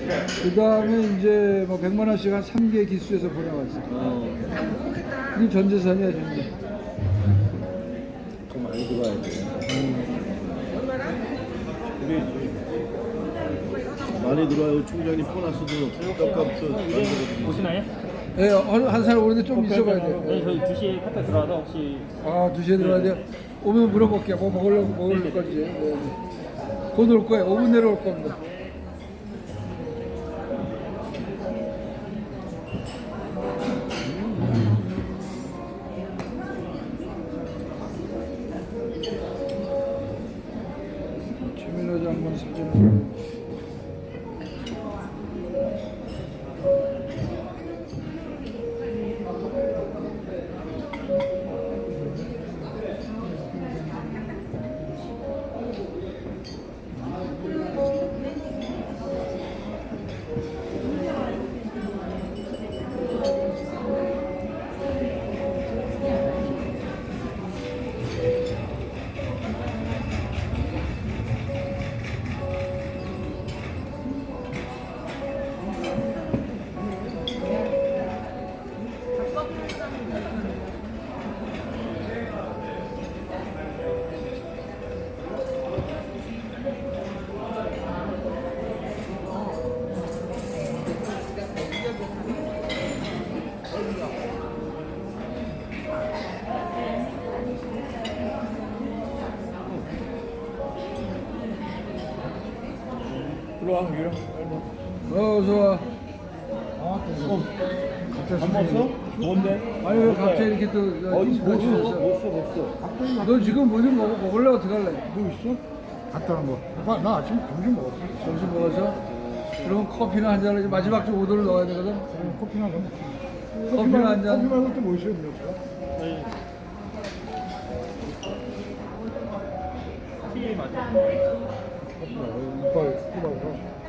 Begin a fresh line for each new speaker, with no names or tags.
그 다음에 이제 뭐 100만 원씩 한 3개 기수해서 보내왔어. 이게 전 재산이야, 전재.
좀 많이 들어와야 돼. 많이 들어와요. 총장님 보너스도 떡값도 만들거든요.
오시나요?
예, 한 사람 오는데 좀 있어봐야 돼.
네, 저희 2시에 카페 들어와서 혹시
아, 2시에 들어가야 돼요? 오면 물어볼게요. 뭐 먹을 건지. 네, 네. 곧 올 거예요. 5분 내로 올 겁니다. 최민호 장관 사진.
들어와, 유령.
어서 와.
밥 먹었어? 뭔데?
아니 왜 갑자기 이렇게 또
어디
같이
못
있어?
써.
너 지금 뭐 좀 먹을래? 어떡할래?
뭐 있어? 갔다 온 거. 나 아침 점심 먹었어.
점심 먹어서? 그러면 커피나 한 잔을 마지막 좀 오도를 넣어야 되거든?
커피나 좀.
커피나 한 잔.
커피 말고 또 뭐 있어요, 음료수가?
티 맞아요.
커피 말고 이빨.